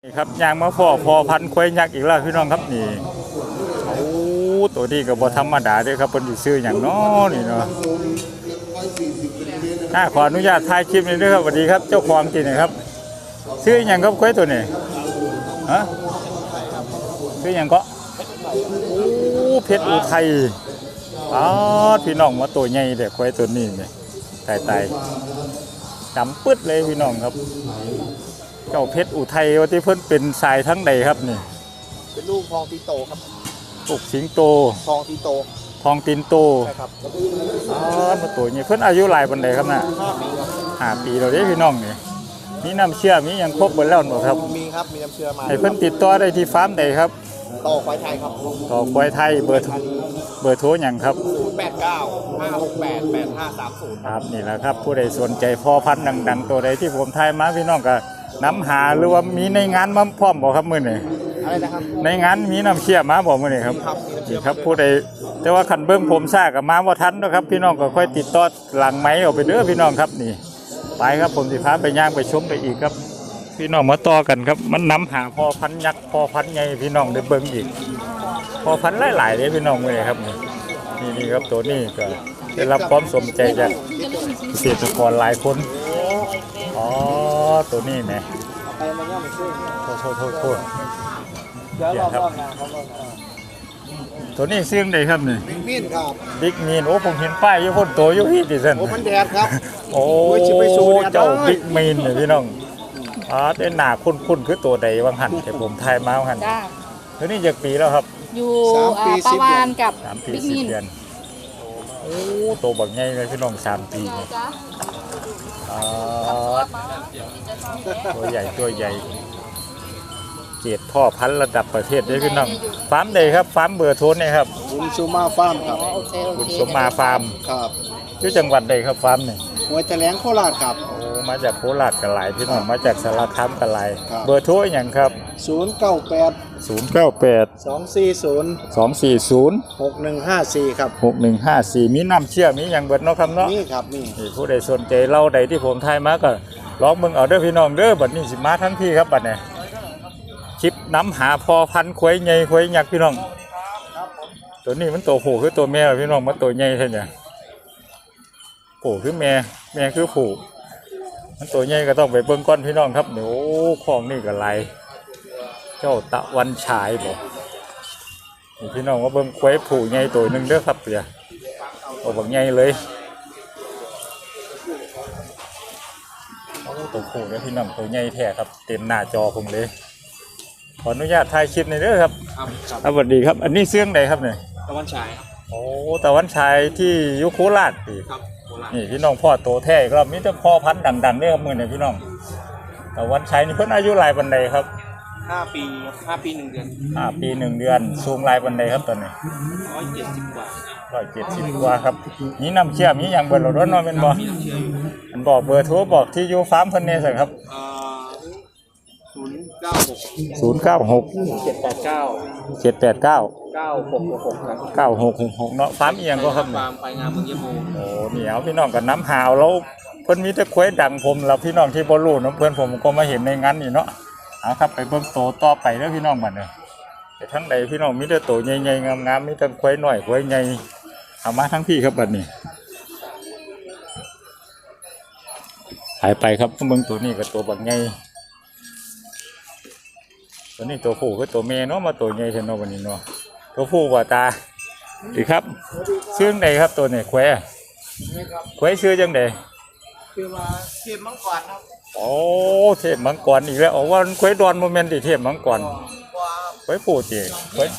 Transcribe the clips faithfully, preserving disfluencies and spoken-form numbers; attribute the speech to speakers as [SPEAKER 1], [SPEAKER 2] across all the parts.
[SPEAKER 1] นี่ครับยางมาพ่อพอพันควายยักษ์อีกแล้วพี่น้องครับนี่โอ้ตัวนี้ก็บ่ธรรมดาเด้อครับเพิ่นสิซื้อหยังน้อนี่เนาะน่าขออนุญาตถ่ายคลิปนี้ด้วยครับสวัสดีครับเจ้าของที่นี่ครับซื้อหยังครับควายตัวนี้ฮะซื้อหยังก็โอ้เพชรอุทัยอ๋อพี่น้องมาตัวใหญ่เด้อควายตัวนี้นี่ตายๆดำปึ๊ดเลยพี่น้องครับเจ้าเพชรอุทัยว่าที่เพิ่นเป็นสายทั้งใดครับนี่
[SPEAKER 2] เป็นลูกทองตีโตครับ
[SPEAKER 1] ลูกสิงโต
[SPEAKER 2] ทองตีโต
[SPEAKER 1] ทองตีนโต
[SPEAKER 2] ใช่ครับ
[SPEAKER 1] อ๋อมาตัวนี้เพิ่นอายุหลายปานใดครับน่ะ
[SPEAKER 2] ห้าปีครับ
[SPEAKER 1] ห้าปีแล้วเด้พี่น้องนี่มีน้ำเชื่อมีหยังครบเบิดแล้วบ่ครับ
[SPEAKER 2] มีครับมีน้ำเชื่อมา
[SPEAKER 1] ให้เพิ่นติดต่อได้ที่ฟาร์มใดครับ
[SPEAKER 2] ต่อควายไทยครับ
[SPEAKER 1] ต่อควายไทยเบอร์เบอร์โทรหยังครับ
[SPEAKER 2] ศูนย์ แปด เก้า ห้า หก แปด แปด ห้า สาม ศูนย์
[SPEAKER 1] ครับนี่แหละครับผู้ใดสนใจพ่อพันธุ์ดังๆตัวใดที่ผมทายมาพี่น้องก็น้ำหาหรือว่ามีในงานมาพร้อมบ่ครับมื้อนี้
[SPEAKER 2] อะไรนะครับ
[SPEAKER 1] ในงานมีน้ำเชื่อมาบ่มื้อนี้ครับนี่ครับผู้ใดแต่ว่าคันเบิ่งผมซ่าก็มาบ่ทันนะครับพี่น้องก็ค่อยติดต่อหลังไมค์เอาไปเด้อพี่น้องครับนี่ไปครับผมสิพาไปย่างไปชมไปอีกครับพี่น้องมาต่อกันครับมันนำหาพ่อพันธุ์ยักษ์พ่อพันธุ์ใหญ่พี่น้องได้เบิ่งอีกพ่อพันธุ์หลายๆเด้พี่น้องมื้อนี้ครับนี่นี่ครับตัวนี้ก็ได้รับความสนใจจากเกษตรกรหลายคนอ๋อตัวนี้แหม
[SPEAKER 2] ไปมันย่อมซื้อ
[SPEAKER 1] โทษโทษโทษโทษ
[SPEAKER 2] เดี๋ยวรอบๆงานเขา
[SPEAKER 1] ตัวนี้ซื้อได้ครับนี่
[SPEAKER 2] บิ๊กมีนครับ
[SPEAKER 1] บิ๊กมีนโอ้ผมเห็นป้ายอยู่คนโตอยู่ที่ดิฉัน
[SPEAKER 2] โอ้มันแดดครับ
[SPEAKER 1] โอ้เจ้าบิ๊กมีนเนี่ยพี่น้องอ๋อได้หนาคุ้นๆคือตัวใดบางหันแต่ผมทายมาบางหันตัวนี้จากปีแล้วครับ
[SPEAKER 3] อยู่ประวานกับ
[SPEAKER 1] สามปีสิบเดือนโอ้โตบักใหญ่เลยพี่น้องสามปีอ๋อตัวใหญ่ตัวใหญ่เกียรติพ่อพันธุ์ระดับประเทศด้วยพี่น้องฟาร์มใดครับฟาร์มเบอร์โทรนี่ครับ
[SPEAKER 2] บุญสุมาฟาร์มครับ
[SPEAKER 1] บุญสมมาฟาร์ม
[SPEAKER 2] ครับ
[SPEAKER 1] ที่จังหวัดใดครับฟาร์มนี่
[SPEAKER 2] หัวแถลงโคราชครับ
[SPEAKER 1] โอ้มาจากโคราชกันหลายพี่น้องมาจากสารคามกันหลายเบอร์โทรอย่างครับ
[SPEAKER 2] ศูนย์ เก้า แปด
[SPEAKER 1] ศูนย์ เก้า แปด
[SPEAKER 2] สอง สี่ ศูนย์
[SPEAKER 1] สอง สี่ ศูนย์
[SPEAKER 2] หก หนึ่ง ห้า สี่ครับ
[SPEAKER 1] หก หนึ่ง ห้า สี่มีน้ำเชื่อมีอย่างเบิดเนาะครับเนาะ
[SPEAKER 2] นี่ครับนี่
[SPEAKER 1] ผู้ใดสนใจเล่าใดที่ผมทายมาก็ลองมึงเอาเด้อพี่น้องเด้อบัดนี้สิมาทั้งพี่ครับบัดนี้คลิปน้ำหาพอพันควายใหญ่ควายยักษ์พี่น้องตัวนี้มันตัวผู้คือตัวแม่พี่น้องมันตัวใหญ่ใช่ไหมผู้คือแม่แม่คือผู้มันตัวใหญ่ก็ต้องไปเบิ่งก้อนพี่น้องครับเดี๋ยวของนี่ก็ไหลเจ้าตะวันฉายบ่นี่พี่น้องว่าเบิ่งควายผู้ใหญ่ตัวหนึ่งเด้อครับเปียโอ้บักใหญ่เลยตัวผู้เนี่ยพี่น้องตัวใหญ่แท้ครับเต็มหน้าจอผมเลยขออนุญาตถ่ายคลิปในเด้อครับสวัสดีครับอันนี้เสื่องใดครับเนี่ย
[SPEAKER 2] ตะวันฉายครับ
[SPEAKER 1] โอ้ตะวันฉายที่ยุโคราช
[SPEAKER 2] ครับ
[SPEAKER 1] นี่พี่น้องพ่อโตแท้ครับมีแต่พ่อพันธุ์ดังๆเด้อครับมือเนี่ยพี่น้องตะวันฉายนี่เพิ่นอายุหลายปันใดครับ
[SPEAKER 2] ห้าปีห้าปีหนึ่งเดือน
[SPEAKER 1] ห้าปีหนึ่งเดือนสูงหลายปันใดครับตอนนี้
[SPEAKER 2] ร้อยเจ็ดสิบกว่า
[SPEAKER 1] ร้อยเจ็ดสิบกว่าครับนี่น้ำเชื่อมีอย่างเบอร์รถน้อยเป็นบ่มันบอกเบอร์โทรบอกที่อยู่ฟาร์มเพิ่นเนี่ยสิครับ
[SPEAKER 2] ศูนย์เก้าหก
[SPEAKER 1] ศูนย์เก้าหก
[SPEAKER 2] เจ็ดแปดเก้า
[SPEAKER 1] เจ็ดแปดเก้า
[SPEAKER 2] เก้าหกหกครับ
[SPEAKER 1] เก้าหกหกเนาะฟาร์มเอียงก็ครับ
[SPEAKER 2] ฟาร์มไปงานเมืองยะโม
[SPEAKER 1] โอ้เหนียวพี่น้องกับน้ำหาวแล้วเพิ่นมีแต่ควายดังผมแล้วพี่น้องที่บ่รู้น้ำเพิ่นผมก็มาเห็นในงานนี่เนาะเอาครับไปเบิ่งโตต่อไปแล้วพี่น้องบัดนี้แต่ทั้งใดพี่น้องมีแต่โตใหญ่ๆงามๆมีแต่ควายน้อยควายใหญ่เอามาทั้งพี่ครับบัดนี้หายไปครับเบิ่งตัวนี้กับตัวบักใหญ่ตัวนี้ตัวผู้คือตัวเมียเนาะมาตัวใหญ่เท่านั้นวันนี้เนาะตัวผู้ว่าตาดีครับชื่อใดครับตัวนี้แควแควชื่อจังใด
[SPEAKER 2] คือว่าเทพมังกรครับ
[SPEAKER 1] โอ้เทพมังกรอีกแล้วอ๋อว่าแควดอนโมเมนต์ที่เทพมังกรแควผู้จีแคว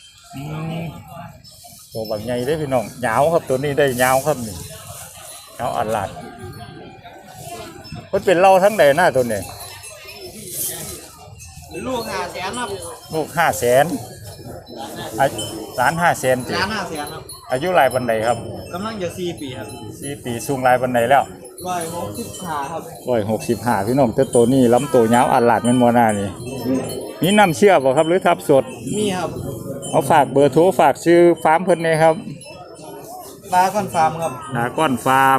[SPEAKER 1] ตัวบางใหญ่ได้พี่น้องยาวครับตัวนี้ได้ยาวครับนี่ยาวอัดหลัดมันเป็นเล่าทั้งใดหน้าตัวนี้
[SPEAKER 2] ลูกห้าแสนครับ
[SPEAKER 1] ลูกห้าแสนล้านห้าแสน
[SPEAKER 2] ล้านห้าแสนครับ
[SPEAKER 1] อายุหลายปันใดครับ
[SPEAKER 2] กำลังจะสี่ปีครับ
[SPEAKER 1] สี่ปีสูงหลายปันใดแล้ว
[SPEAKER 2] ร้อยหกสิบห้าครับ
[SPEAKER 1] ร้อยหกสิบห้าพี่น้องแต่ตัวนี้ล้ำตัวยาวอัดหลัดมันโมนานี่มีน้ำเชื่อบ่ครับหรือทับสด
[SPEAKER 2] มีครับ
[SPEAKER 1] เอาฝากเบอร์โทรฝากชื่อฟาร์มเพิ่นเลยครับ
[SPEAKER 2] ดาก้อนฟาร์มครับ
[SPEAKER 1] ดาก้อนฟาร์ม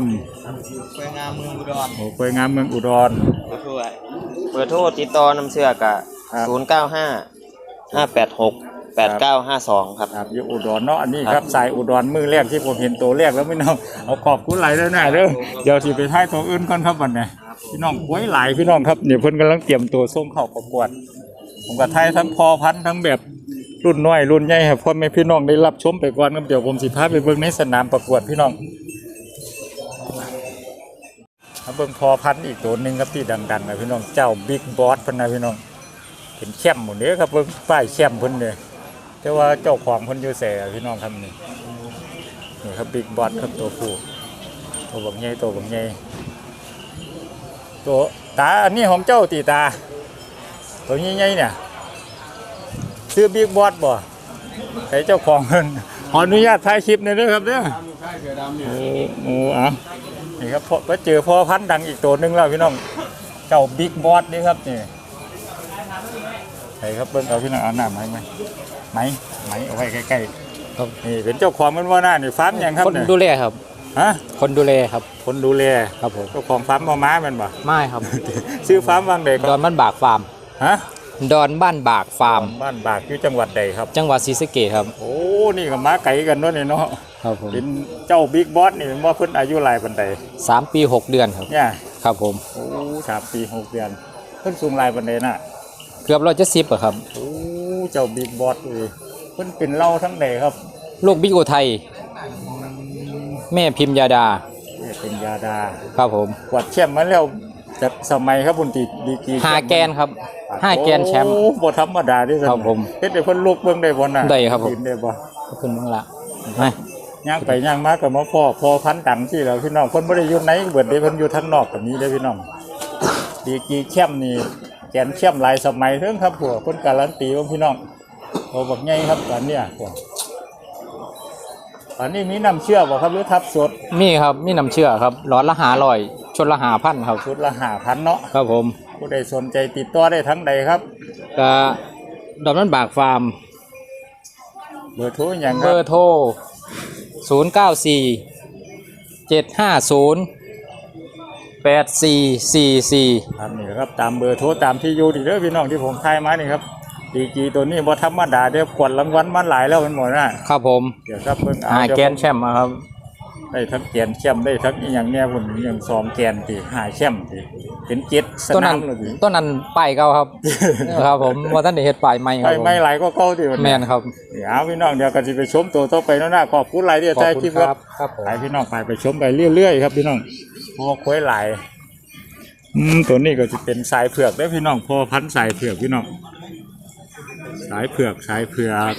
[SPEAKER 2] ควายงามเมืองอุดร
[SPEAKER 1] โอ้ควายงามเมืองอุดร
[SPEAKER 2] เบอร์โทรเบอร์โทรติดต่อน้ำเชื่อกะ
[SPEAKER 1] ครับ
[SPEAKER 4] ศูนย์เก้าห้าห้าแปดหกแปดเก้าห้าสองครับ
[SPEAKER 1] ครับอยู่อุดรเนาะอันนี้ค
[SPEAKER 4] ครั
[SPEAKER 1] รับบ สายอุดรมือแรกที่ผมเห็นตัวแรกแล้วพี่น้องเอาขอบคุณหลายแล้วนะเด้อเดี๋ยวสิไปท้ายตัวอื่นก่อนครับบัดนี้พี่น้องไว้หลายพี่น้องครับเดี๋ยวเพิ่นกำลังเตรียมตัวส่งเข้าประกวดผมก็ไทยทั้งพอพันธุ์ทั้งแบบรุ่นน้อยรุ่นใหญ่ครับพ่อแม่พี่น้องได้รับชมไปก่อนครับเดี๋ยวผมสิพาไปเบิ่งในสนามประกวดพี่น้องมาเบิ่งพอพันธุ์อีกตัวหนึงครับที่ดังๆนะพี่น้องเจ้าบิ๊กบอสเพิ่นนะพี่น้องเป็นแชมป์หมดเด้อครับเบิ่งป้ายแชมป์เพิ่นเด้อแต่ว่าเจ้าของเพิ่นอยู่แสพี่น้องครับนี่นี่ครับบิ๊กบอสครับตัวผู้ตัวบักใหญ่ตัวบักใหญ่ตัวตาอันนี้ของเจ้าตีตาตัวใหญ่ๆเนี่ยซื้อบิ๊กบอสบ่ใครเจ้าของเพิ่นขออนุญาตถ่ายคลิปหน่อยเด้อครับเด้อโอ้โหอ่ะนี่ครับพอเจอพ่อพันธุ์ดังอีกตัวหนึงแล้วพี่น้องเจ้าบิ๊กบอสนี่ครับนี่ใครครับเบิ่งเอาพี่น้องเอาหน้าไม้ไหมไม้ไม้เอาไว้ใกล้ๆครับนี่เป็นเจ้าของมันว่าหน้านี่ฟาร์มหยังครับ
[SPEAKER 5] คน
[SPEAKER 1] เนี่ย
[SPEAKER 5] ดูแลครับ
[SPEAKER 1] ฮะ
[SPEAKER 5] คนดูแลครับ
[SPEAKER 1] คนดูแล
[SPEAKER 5] ครับผม
[SPEAKER 1] เจ้าของฟาร์มมาม้าแมันบ่
[SPEAKER 5] ไม่ครับ
[SPEAKER 1] ชื่อฟาร์มวังใดค
[SPEAKER 5] ด
[SPEAKER 1] รั
[SPEAKER 5] อบ นบ้านบากฟาร์ม
[SPEAKER 1] ฮะ
[SPEAKER 5] ดอนบ้านบากฟาร์ม
[SPEAKER 1] บ้านบากอยู่จังหวัดใดครับ
[SPEAKER 5] จังหวัดศรีสะเกษครับ
[SPEAKER 1] โอ้นี่ก็ม้าไก่กันเนาะนี่เนาะ
[SPEAKER 5] ครับผม
[SPEAKER 1] เป็นเจ้าบิ๊กบอสนี่ว่าเพิ่นอายุหลายปานใด
[SPEAKER 5] สามปีหกเดือนครับ
[SPEAKER 1] เนี่ย
[SPEAKER 5] ครับผม
[SPEAKER 1] โอ้สามปีหกเดือนเพิ่นสูงหลายปานใดน่ะ
[SPEAKER 5] เกือบร้อยเจ็ดสิบอะครับ
[SPEAKER 1] โอ้เจ้าบิ๊กบอสเอ้ยเพิ่นเป็นเล่าทั้งใดครับ
[SPEAKER 5] ลูกบิ๊กโอไทย แม่พิมยาดา
[SPEAKER 1] นี่เป็นยาดา
[SPEAKER 5] ครับผม
[SPEAKER 1] กวาดแชมป์มาแล้วจากสมัยครับบุญติดีกรี
[SPEAKER 5] ห้าแกนครับห้าแกนแชมป์
[SPEAKER 1] โอ้บ่ธรรมดาเด้อ
[SPEAKER 5] ครับผม
[SPEAKER 1] เฮ็ดให้เพิ่นลุกเบิ่งได้บ่น่ะ
[SPEAKER 5] ได้ครับผม
[SPEAKER 1] ยืนได้บ่
[SPEAKER 5] ขอบคุณมากละไป
[SPEAKER 1] ย่างไปย่างมาก็มาพ่อพ่อพันธุ์ดังที่แล้วพี่น้องเพิ่นบ่ได้อยู่ในเบิดเด้เพิ่นอยู่ทางนอกก็มีเด้อพี่น้องดีกรีแชมป์นี่แกนแชมป์หลายสมัยเถิงครับพวกเพิ่นการันตีว่าพี่น้องโอ้บักใหญ่ครับตอนเนี้ยพวกตอนนี้มีน้ำเชื่อบ่ครับหรือทับสด
[SPEAKER 5] มีครับมีน้ำเชื่อครับหลอดละหาลอยชนละหาพันครับ
[SPEAKER 1] ชุดละห้าพันเนาะ
[SPEAKER 5] ครับผม
[SPEAKER 1] ผู้ใดสนใจติดต่อได้ทั้งใดครับ
[SPEAKER 5] ก็ดอนบ้านบากฟาร์ม
[SPEAKER 1] เบอร์โทรหยังค
[SPEAKER 5] เบ
[SPEAKER 1] รับ
[SPEAKER 5] อร์โทรศูนย์เก้าสี่เจ็ดห้าศูนย์แปดสี่สี่สี่
[SPEAKER 1] ครับนี่ครับตามเบอร์โทรตามที่อยู่ดีเด้อพี่น้องที่ผมทายมานี่ครับดีกรีตัวนี้บ่ธรรมดาเด้อกวดรางวัลมาหลายแล้วมันหมดนะครับ
[SPEAKER 5] ผม
[SPEAKER 1] เดี๋ยวครับเพิ่งเอา
[SPEAKER 5] หา
[SPEAKER 1] เดี๋ยว
[SPEAKER 5] แกนแชมป์มาครับ
[SPEAKER 1] ได้ทั้งแกนแชมป์ได้ทั้งอีหยังเนี่ยพุ่นอหยังสองแกนติหาแชมป์ติเป็นเจ็ดส
[SPEAKER 5] ต้น
[SPEAKER 1] นา
[SPEAKER 5] นั้
[SPEAKER 1] ม
[SPEAKER 5] น
[SPEAKER 1] เลยติ
[SPEAKER 5] ต้นนั้นป้ายเก่าครับ ครับผมว่าท่านได้เฮ็ดป้ายใหม่ค
[SPEAKER 1] ไป
[SPEAKER 5] รับผม
[SPEAKER 1] ไม่หลายก็เก่าติวัน
[SPEAKER 5] แม่
[SPEAKER 1] นี้
[SPEAKER 5] นครับ
[SPEAKER 1] เดี๋ยวพี่น้องเดี๋ยวก็สิไปชมตัวต่อไปเนาะนะขอบคุณหลายที่
[SPEAKER 5] ขอบ
[SPEAKER 1] ถ่าย
[SPEAKER 5] คุ
[SPEAKER 1] คลิ
[SPEAKER 5] ณ
[SPEAKER 1] ป
[SPEAKER 5] ค
[SPEAKER 1] ค
[SPEAKER 5] รั
[SPEAKER 1] รั
[SPEAKER 5] บบ ครับผม
[SPEAKER 1] ไปพี่น้องไปไปชมไปเรื่อยๆครับพี่น้องพวกควายหลายอืมตัวนี้ก็จะเป็นสายเผือกได้อพี่น้องพอพันธุ์สายเผือกพี่น้องสายเผือกสายเผือก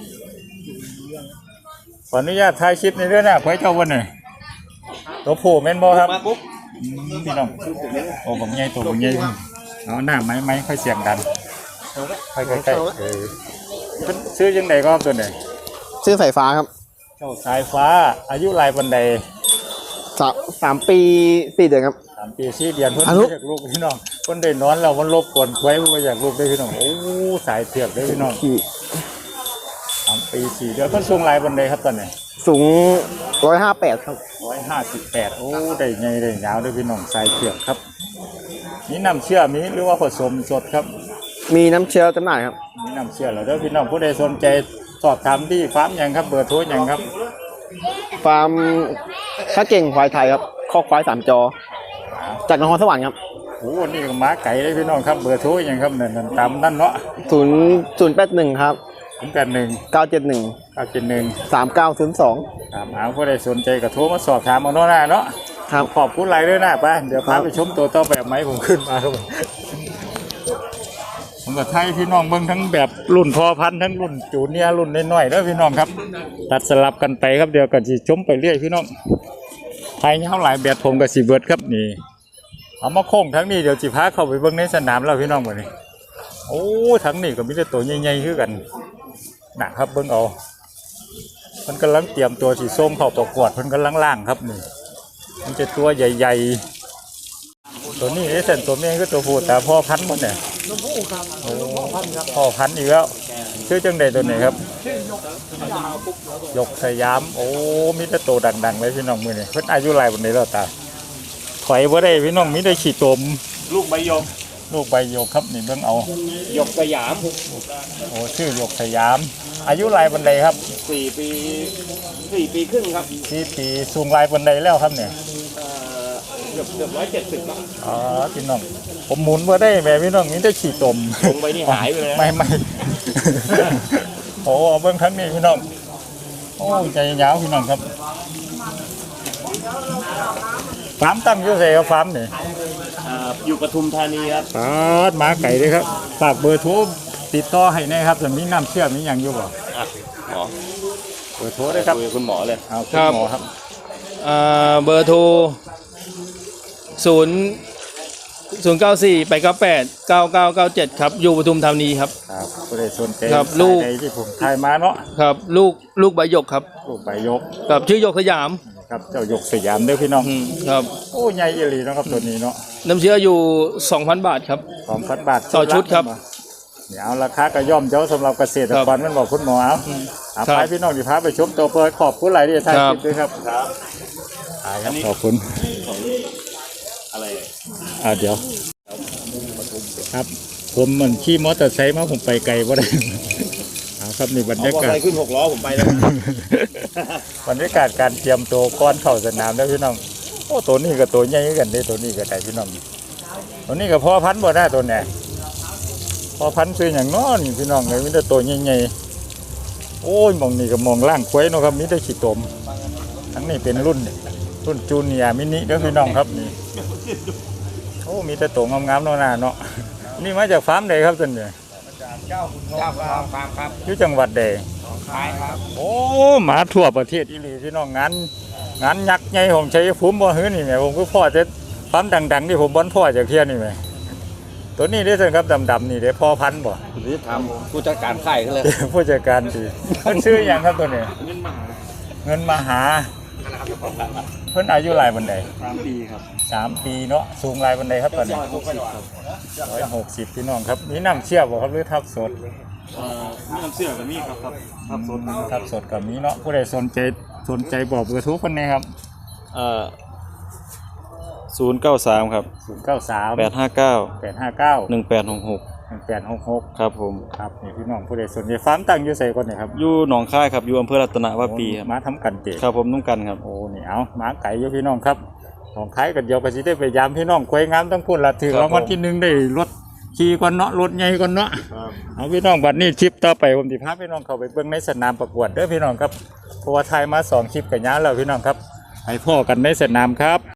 [SPEAKER 1] ขออนุญาตถ่ายคลิปในเรื่องนะควายเจ้าวันหน่อยตัวผู้แม่นบ่ครับ
[SPEAKER 2] มาปุ๊บ
[SPEAKER 1] อืมพี่น้องโอ้ผมใหญ่ตัวผมใหญ่เอาหน้าไม้ไม้ค่อยเสียงดันค่อยใกล้ๆเออเพิ่นซื้อยังไงก็ตัวไหน
[SPEAKER 2] ซื้อไฟฟ้าครับ
[SPEAKER 1] เจ้าสายฟ้าอายุหลายปันใด
[SPEAKER 2] สามสามปีสี่เดือนครับ
[SPEAKER 1] สามปีสี่เดือนเพิ่น
[SPEAKER 2] อายุ
[SPEAKER 1] บ่อยากลูกพี่น้องเพิ่นได้นอนแล้วมันรบกวนไว้เพิ่นบ่อยากลูกได้พี่น้องโอ้สายเผือกได้พี่น้อง
[SPEAKER 2] ขี่
[SPEAKER 1] สามปีสี่เดือนเพิ่นสูงหลายปันใดครับตอนนี้
[SPEAKER 2] สูงร้อยห้าแปดครับ
[SPEAKER 1] ร้อยห้าสิบแปดโอ้ได้ใหญ่ได้ยาวได้พี่น้องสายเผือกครับนี่น้ำเชื่อมีหรือว่าผสมสดครับ
[SPEAKER 2] มีน้ำเชื้อจำหน่ายครับ
[SPEAKER 1] นี่น้ำเชื่อแล้วเด้อพี่น้องผู้ใดสนใจสอบถามที่ฟาร์มหยังครับเบอร์โทรหยังครับ
[SPEAKER 2] ฟาร์มข้าเก่งควายไทยครับคอกควายสามจอ จากนครสวรรค์ครับ
[SPEAKER 1] โอ้นี่ก็ม้าไก่เลยพี่น้องครับเบอร์โทรหยังครับนั่นๆตามนั่นเนาะ
[SPEAKER 2] ศูนย์ศูนย์แปดหนึ่งครับ
[SPEAKER 1] ศูนย์แปดหนึ่ง
[SPEAKER 2] เก้าเจ็ดหนึ่ง
[SPEAKER 1] เก้าเจ็ดหนึ่ง
[SPEAKER 2] สามเก้าศูนย์สอง
[SPEAKER 1] ถามหาผู้ใดสนใจก็โทรมาสอบถามเอาเนาะนะเนาะ
[SPEAKER 2] ครับ
[SPEAKER 1] ขอบคุณหลายด้วยนะป้าเดี๋ยวพา
[SPEAKER 2] ครับ
[SPEAKER 1] ไปชมตัวต่อแบบไหมผมขึ้นมาครับผมผมกับไทยพี่น้องเบิ่งทั้งแบบรุ่นพอพันธุ์ทั้งรุ่นจูเนียร์รุ่นน้อยๆแล้วพี่น้องครับตัดสลับกันไปครับเดี๋ยวกันสิชมไปเรื่อยพี่น้องไทยเท่าหลายแบบผมกับสีเบิร์ดครับนี่เอามาโค้งทั้งนี้เดี๋ยวจิพาเข้าไปเบิ่งในสนามแล้วพี่น้องบ่นี้โอ้ทั้งนี้ก็มีแต่ตัวใหญ่ๆคือกันนะครับเบิ่งเอาเพิ่นกำลังเตรียมตัวสีส้มเข้าประกวดเพิ่นกำลังล่างครับนี่มันจะตัวใหญ่ๆตัวนี้ไอ้เส้นตัวแม่ก็ตัวผู้แต่พ่อพันธุ์มันเนี่ยโอ้พ่อพันธุ์อีกแล้วชื่อจังใดตัวไหนครับยกสยามโอ้มีแต่ตัวดังๆเลยพี่น้องมือนี่เพิ่นอายุหลายวันนี้แล้วตาถอยบ่ได้พี่น้องมีแต่ขี้ตมลูกใบยมลูกใบหยกครับนี่เบิ่งเอา
[SPEAKER 4] หยกสยาม
[SPEAKER 1] โอ้ชื่อหยกสยาม อายุลายบันไดครับ
[SPEAKER 4] สี่ปีสี่ปีครึ่งครับ
[SPEAKER 1] สี่ปีสูงลายบันไดแล้วครับเนี่ย
[SPEAKER 4] เอ่อเกือบเกือบร้อยเจ็ดสิบครับ
[SPEAKER 1] อ๋อพี่น้องผมหมุนมาได้แม่พี่น้องนี่ได้ขี่ตม
[SPEAKER 4] ลงไปนี่หายไปเลยนะ
[SPEAKER 1] ไม่ไม่ โอ้เอาเบิ่งครั้งนี้พี่น้องโอ้ใจยาวพี่น้องครับฟาร์มตั้งอยู่ไสครับฟาร์มนี่
[SPEAKER 4] อ่าอยู่ปทุมธานีครับ
[SPEAKER 1] ปาดหมาไก่ด้วยครับฝากเบอร์โทรติดต่อให้แนะครับจะมีน้ำเชื่อมมีอย่างอยู่บ่
[SPEAKER 4] อ่ะหมอ
[SPEAKER 1] เบอร์โทรด้วยครับ
[SPEAKER 4] คุยกับคุณหมอเลย
[SPEAKER 1] เอาคุ
[SPEAKER 5] ครั
[SPEAKER 1] ณ
[SPEAKER 5] บ
[SPEAKER 1] หมอครับ
[SPEAKER 5] อ่าเบอร์โทรศูนย์ศูนย์เก้าสี่แปดเก้าแปดเก้าเก้าเก้าเจ็ดครับอยู่ปทุมธานีครับ
[SPEAKER 1] ครับผู้ใดสนใจ
[SPEAKER 5] ครับลูก
[SPEAKER 1] สายใดที่ผมทายมาเนาะ
[SPEAKER 5] ครับลูกลูกใบหยกครับ
[SPEAKER 1] ลูกใบยก
[SPEAKER 5] กับชื่อหยกสยาม
[SPEAKER 1] ครับเจ้าหยกสยามเด้อพี่น้อง
[SPEAKER 5] อืมครับ
[SPEAKER 1] โอ้ใหญ่อีหลีเนาะครับตัวนี้เนาะ
[SPEAKER 5] น้ำเชื้ออยู่สองพันบาทครับ
[SPEAKER 1] สองพันบาท
[SPEAKER 5] ต่อชุดครับ
[SPEAKER 1] เดี๋ยวราคาก็ย่อมเจ้าสำหรับเกษตรกรมันบอกคุณหมอเอา
[SPEAKER 5] อืม
[SPEAKER 1] เอา
[SPEAKER 5] ครับ
[SPEAKER 1] ไปพี่น้องที่พาไปชมตัวเปิดขอบคุณหลายที่ท่าน
[SPEAKER 5] ครับ
[SPEAKER 1] คิดด้วยครับครับครับขอบคุณ
[SPEAKER 4] อะไร
[SPEAKER 1] อ่าเดี๋ยวครับ ผมเหมือนขี่มอเตอร์ไซค์มาผมไปไกลบ่ได้ เอาครับนี่บรร
[SPEAKER 4] เอา
[SPEAKER 1] ยากาศ
[SPEAKER 4] อะไรขึ้นหกล้อผมไปเลย
[SPEAKER 1] บรรยากาศการเตรียมตัวก่อนเข้าสนามแล้วพี่น้องโอ้ตัวนี้กับตัวใหญ่กันเด้ตัวนี้กับไก่พี่น้องตัวนี้กับพ่อพันธุ์บ่ได้ตัวเนี่ยพ่อพันธุ์คืออย่างน้อนี่พี่น้องเลยมีแต่ตัวใหญ่ๆโอ้ยมองนี่กับมองล่างควยเนาะครับมีแต่ขี้ตมทั้งนี้เป็นรุ่นรุ่นจูเนียร์มินิเด้อพี่น้องครับนี่โอ้มีแต่ตัวงามๆเนาะหน้าเนาะนี่มาจากฟาร์มใดครับท่านเนี่ย
[SPEAKER 4] เจ้าความความครับ
[SPEAKER 1] อยู่จังหวัดใด
[SPEAKER 4] ขายครับ
[SPEAKER 1] โอ้หมาทั่วประเทศอีหลีพี่น้องงานงานยักษ์ใหญ่ของชัยภูมิบ่ฮื้อนี่แหมผมก็พ่อจะปั๊มดังๆที่ผมบ่นพ่อจากเที่ยนี่แหมตัวนี้ได้อเพิ่นครับดำๆนี่เด้อพ่อพันธุ์บ่
[SPEAKER 4] หรือทำผู้จัดการค่ายเขาเลย
[SPEAKER 1] ผู้จัดการดีเพิ่นชื่อหยังครับตัวนี้เงินมหาเพิ่นอายุหลายปานใด
[SPEAKER 4] สามปีครับ
[SPEAKER 1] สามปีเนาะสูงหลายปานใดครับตอนนี้
[SPEAKER 4] หกสิบครับ
[SPEAKER 1] ร้อยหกสิบพี่น้องครับมีน้ำเชื่อบ่ครับหรือทับสด
[SPEAKER 4] เอ่อมีน้ำเสื้อกับมีครับครับครับสด
[SPEAKER 1] ทับสดก็มีเนาะผู้ใดสนใจสนใจบอกเบอร์โทรเพิ่นแหน่ครับ
[SPEAKER 6] เอ่อศูนย์เก้าสามครับ
[SPEAKER 1] ศูนย์เก้าสาม
[SPEAKER 6] แปดห้าเก้า
[SPEAKER 1] แปดห้าเก้า
[SPEAKER 6] หนึ่งแปดหกหก
[SPEAKER 1] หนึ่งแปดหกหก
[SPEAKER 6] ครับผม
[SPEAKER 1] ครับนี่พี่น้องผู้ใดสนใจฟาร์มตั้งอยู่ไสก่อนนี่ครับ
[SPEAKER 6] อยู่หนองค่ายครับ อยู่อำเภอรัตนวาปีครับ
[SPEAKER 1] มาทำกันเตะ
[SPEAKER 6] ครับผมนุ่งกันครับ
[SPEAKER 1] โอ้นี่เอาหมาไก่อยู่พี่น้องครับของขายกันเดียวก็สิได้ไปยามพี่น้องควยงามต้องพูดละถึง
[SPEAKER 6] ครับ
[SPEAKER 1] รางวัลที่หนึ่งได้รถขี่ก่อนเนาะรถใหญ่ก่อนเนาะเอาพี่น้องบัดนี้คลิปต่อไปผมสิพาพี่น้องเข้าไปเบิ่งในสนามประกวดเด้อพี่น้องครับเพราะว่าถ่ายมาสองคลิปกันยาวแล้วพี่น้องครับให้พ่อกันในสนามครับ